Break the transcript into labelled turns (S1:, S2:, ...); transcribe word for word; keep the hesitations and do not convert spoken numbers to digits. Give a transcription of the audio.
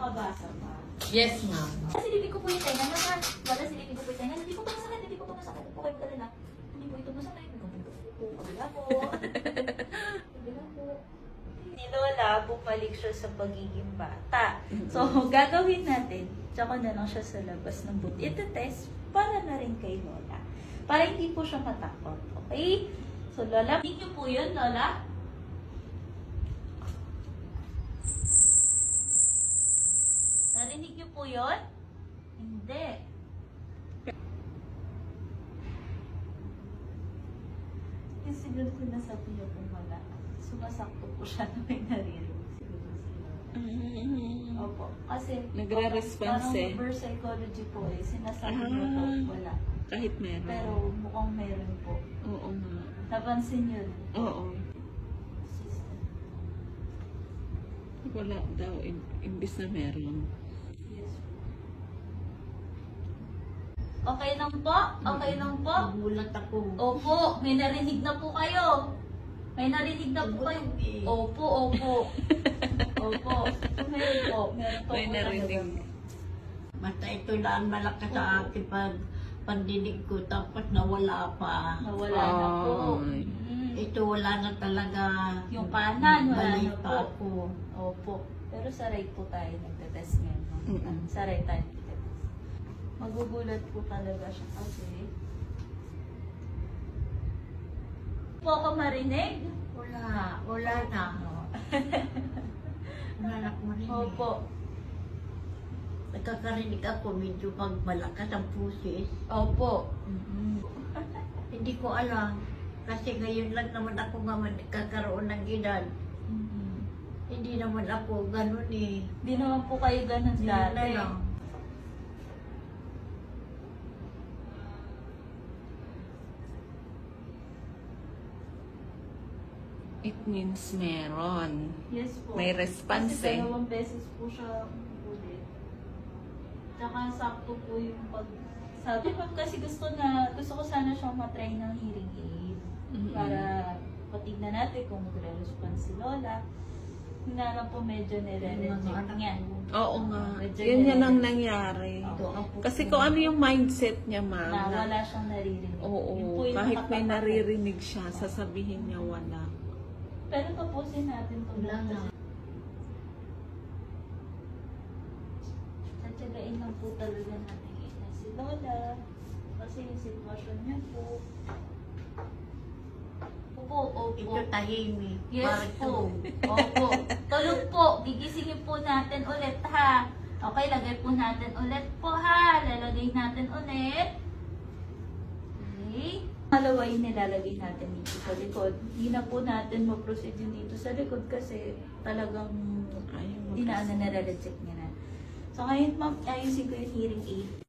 S1: makabasa pa.
S2: Yes, ma'am.
S1: Silipin ko po yung tenga naman. Wala silipin ko po yung tenga. Hindi po ba masakit? Hindi po ba masakit? Hindi po kayo kalala. Hindi po ito masakit. Hindi po po. Kabila po. Kabila po. Si Lola, bumalik siya sa pagiging bata. So, gagawin natin. Tsaka na lang siya sa labas ng boot. Ito test para na rin kay Lola. Para hindi po siya matakot. Okay? So, Lola, hindi niyo po yun, Lola? Narinig niyo po yun? Hindi. Yung siguro sinasabi niyo po wala. Sumasakto po siya na may naririnig. Siguro sila.
S2: Mm-hmm.
S1: Opo. Kasi
S2: Nagre-response
S1: parang
S2: eh.
S1: reverse psychology po eh. Sinasabi niyo po
S2: Ah.
S1: wala.
S2: Kahit meron.
S1: Pero mukhang meron po.
S2: Oo nga.
S1: Napansin niyo?
S2: Oo.
S1: Sister.
S2: Wala daw. im- Imbis na meron.
S1: Yes. Okay lang po? Okay lang po?
S3: Nagulat ako.
S1: Opo, may narinig na po kayo. May narinig na po kayo. Opo, opo. Opo. Meron po. Meron po
S2: May
S1: po
S2: narinig.
S1: talaga.
S3: Basta ito lang malakas sa akin pag pandinig ko tapos nawala pa.
S1: Nawala na po.
S2: Ay.
S1: Mm.
S3: Ito wala na talaga.
S1: Yung kanan, wala
S3: Balik
S1: na
S3: pa
S1: po.
S3: ako.
S1: Opo. Pero sa right po tayo nagtetest ngayon. no?
S2: Mm-mm.
S1: Sa right tayo nagtetest. Magugulat po talaga siya kasi. Po ako marinig?
S3: Wala. Wala na. Wala na akong marinig.
S1: Opo.
S3: Nagkakarinig ako medyo pag malakas ang pusis.
S1: Opo.
S3: Hindi ko alam. Kasi ngayon lang naman ako nga nagkakaroon ng edad.
S1: Mhm.
S3: Hindi naman ako ganun eh.
S1: Di naman po kayo ganun
S3: Hindi na
S1: dati.
S3: lang.
S2: It means meron.
S1: Yes po.
S2: May response
S1: Kasi
S2: eh.
S1: dalawang beses po siya ulit. Tsaka sakto po yung pag... Sabi ko kasi gusto na, gusto ko sana siyang matry ng hearing aid.
S2: Mm-mm.
S1: Para patignan natin kung magre-response si Lola. Hinarap po medyo nire-reject
S3: Mga anak
S1: niya.
S3: ko.
S2: Oo nga.
S1: Medyo
S2: Yan yan
S1: nire-reject.
S2: ang nangyari.
S3: Ito ang puso.
S2: Kasi kung ano yung mindset niya,
S1: Na
S2: ma'am. na-
S1: wala siyang naririnig. Yun
S2: Oo.
S1: po yung
S2: Kahit may
S1: nakakapagod.
S2: naririnig siya, sasabihin niya wala.
S1: Pero tapusin natin ito.
S3: Wala na.
S1: Tatsagain lang po talaga natin ina si Lola. Kasi yung sitwasyon niya po. Opo, opo.
S3: Ito tahimik.
S1: Yes
S3: Parang
S1: po.
S3: tulog.
S1: Opo. Tulog po. Gigisingin po natin ulit ha. Okay, lagay po natin ulit po ha. Lalagay natin ulit. Okay. Malawa yung nilalagay natin dito sa likod. Hindi na po natin ma-proceed yun dito sa likod kasi talagang
S2: Ayaw
S1: hindi na
S2: magkas-
S1: ano, nare-reject niya na. So ngayon ma'am, ayusin ko yung hearing aid.